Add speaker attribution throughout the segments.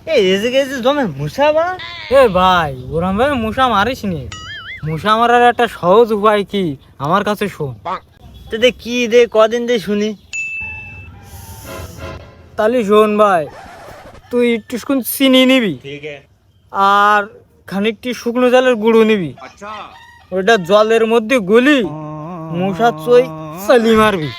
Speaker 1: এই এসে গেছে জমে মশা বা।
Speaker 2: এ ভাই ওরম ভাবে মশা মারিস নি। মশা মারার একটা সহজ উপায় কি আমার কাছে শোন।
Speaker 1: তো দে কি দে কদিন দে শুনি।
Speaker 2: তাহলে শোন ভাই, তুই একটু চিনি নিবি আর খানিকটি শুকনো জলের গুঁড়ো নিবি, ওইটা জলের মধ্যে গুলি মশা চই চালি মারবি।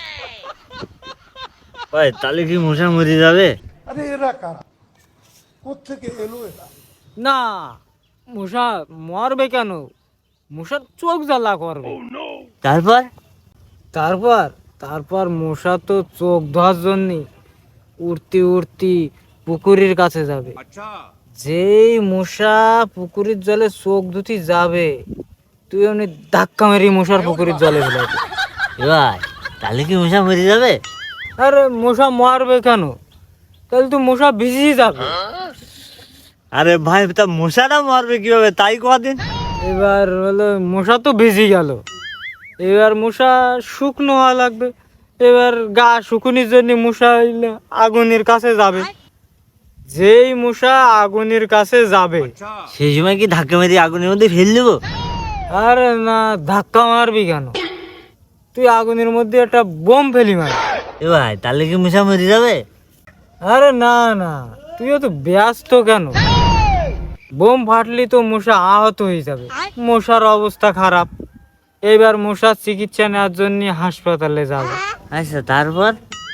Speaker 1: ভাই তাহলে কি মশা মরে যাবে?
Speaker 3: আরে এরা কারা, কোত্থেকে এলো এরা?
Speaker 2: না, মশা মরবে কেন, মশার চোখ জ্বালা করবে।
Speaker 1: তারপর
Speaker 2: তারপর তারপর মশা তো চোখ ধোয়ার জন্য উড়তি উড়তি পুকুরের কাছে যাবে। যেই মশা পুকুরের জলে চোখ ধুতি যাবে, তুই এমনি ধাক্কা মেরি মশার পুকুরের জলে ফেলাবি।
Speaker 1: ভাই তাহলে কি মশা মরে যাবে?
Speaker 2: আরে মশা মরবে কেন, তাহলে তো মশা ভিজেই যাবে।
Speaker 1: আরে ভাই তা মশাটা মরবে কিভাবে তাই কদিন।
Speaker 2: এবার হলো মশা তো ভিজে গেল, এবার মশা শুকনো হওয়া লাগবে। এবার গা শুকুনির জন্য মশা আগুনের কাছে যাবে। যেই মশা আগুনের কাছে যাবে,
Speaker 1: সেই সময় কি ধাক্কা মেরে আগুনের মধ্যে ফেল দেবো?
Speaker 2: আরে না, ধাক্কা মারবি কেন, তুই আগুনের মধ্যে একটা বোম ফেলি মার।
Speaker 1: এ ভাই তাহলে কি মশা মরে যাবে?
Speaker 2: আরে না না, তুই তো ব্যস্ত কেন, বোম ফাটলি তো মশা আহত হয়ে যাবে, মশার অবস্থা খারাপ। এইবার মশার চিকিৎসা নেওয়ার জন্য হাসপাতালে যাবে।
Speaker 1: আচ্ছা তারপর?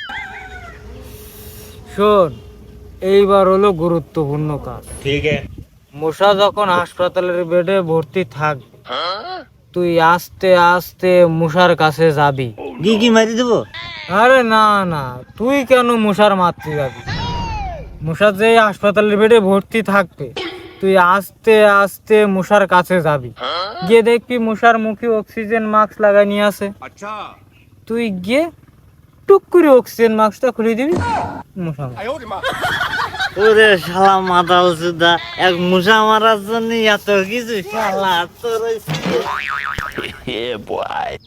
Speaker 2: শোন, এইবার হলো গুরুত্বপূর্ণ কাজ। মশা যখন হাসপাতালের বেডে ভর্তি থাকবে, তুই আস্তে আস্তে মশার কাছে যাবি।
Speaker 1: গিয়ে কি মারি দেবো?
Speaker 2: আরে না না, তুই কেন মশার মারতে যাবি, মশা যে হাসপাতালের বেডে ভর্তি থাকবে, তুই আস্তে আস্তে মশার কাছে যাবি। গিয়ে দেখবি মশার মুখে অক্সিজেন মাস্ক লাগাই নিয়ে আছে। তুই গিয়ে টুক করে অক্সিজেন মাস্কটা খুলে দিবি, মশা মার।
Speaker 1: ওরে শালা মাতাল সুদা, এক মশা মারার জন্য এত কিছু, শালা তোর ওই